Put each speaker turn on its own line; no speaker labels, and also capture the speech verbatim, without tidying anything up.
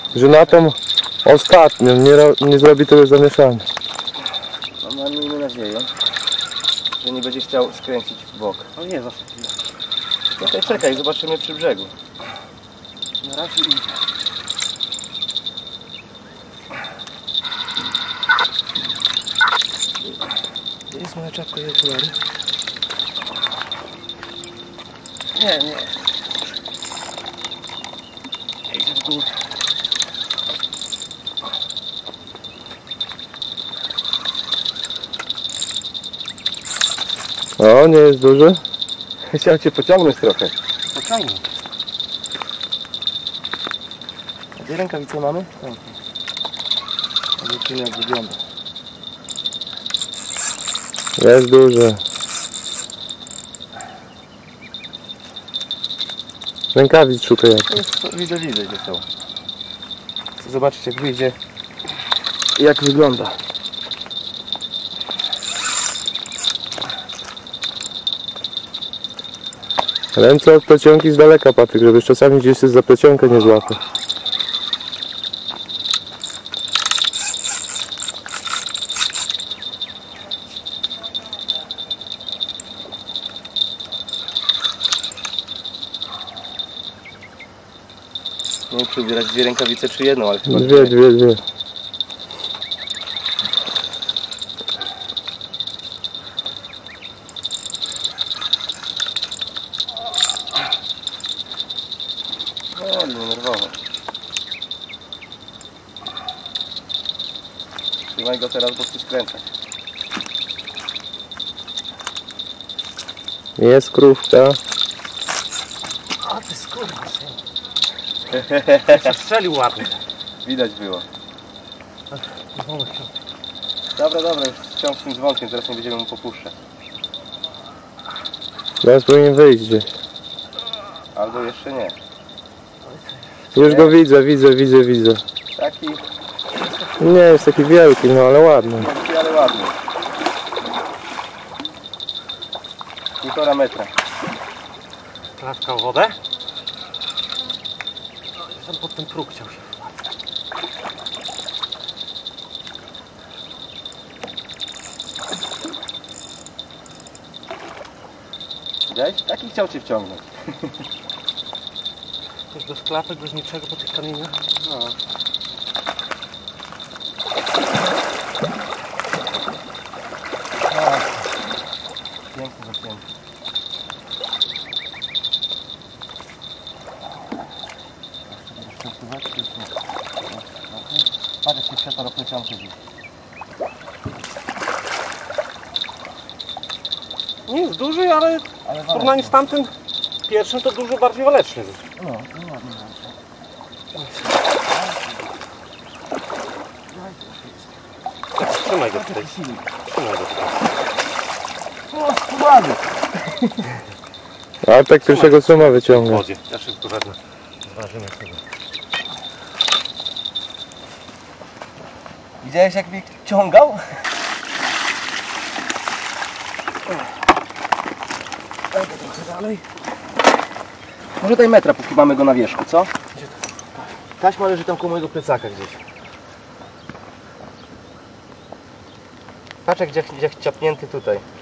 że na tą ostatnią nie, nie zrobi tego zamieszania.
No, miejmy nadzieję, że nie będzie chciał skręcić w bok.
No nie, zawsze chwilę.
Czekaj, czekaj, zobaczymy przy brzegu.
Na razie idzie.
Gdzie jest moja czapka i okulary?
Nie, nie. Idzie w górę.
O, nie jest duży.
Chciał cię pociągnąć trochę.
Pociągnij.
A gdzie rękawice mamy? Tak. Zobaczymy jak wygląda.
Jest duży. Rękawic szukaj jak.
Jest, widzę, widzę gdzie są. Chcę zobaczyć jak wyjdzie i jak wygląda.
Ręce od plecionki z daleka, Patryk, żebyś czasami gdzieś się za plecionkę nie złapał.
Nie wiem czy ubierać dwie rękawice czy jedną, ale chyba
Dwie, dwie, dwie.
O, nie nerwowo. Trzymaj go teraz, bo chcę skręcać.
Jest krówka.
A ty skurwysyn. Się strzelił ładnie.
Widać było.
Dzwonek chciał.
Dobra, dobra, już wciąż z tym dzwonkiem, teraz nie będziemy mu popuszczać.
Teraz powinien wyjść gdzieś.
Albo jeszcze nie.
Już go widzę, widzę, widzę, widzę.
Taki,
Nie jest taki wielki, no ale ładny.
taki ale ładny. Półtora metra.
Klatka w wodę. Tam pod ten próg chciał się.
Widziałeś? Taki chciał cię wciągnąć.
Też bez klapek, bez niczego po tych kamieniach.
No. Piękny zapięty. Patrz jak się światło do plecionki dziś.
Nie jest duży, ale
Ale
w porównaniu z tamtym pierwszym to dużo bardziej waleczny był.
No, no ładnie.
Trzymaj go tutaj. Trzymaj go tutaj.
O, skubany!
A tak pierwszego suma
W
wyciąga.
wodzie. Ja szybko wezmę. Zważymy sobie.
Widziałeś jak mnie ciągał? Dajmy trochę dalej. Może daj metra, póki mamy go na wierzchu, co? Taśma leży tam koło mojego plecaka gdzieś. Patrz jak gdzie, gdzie ciapnięty tutaj.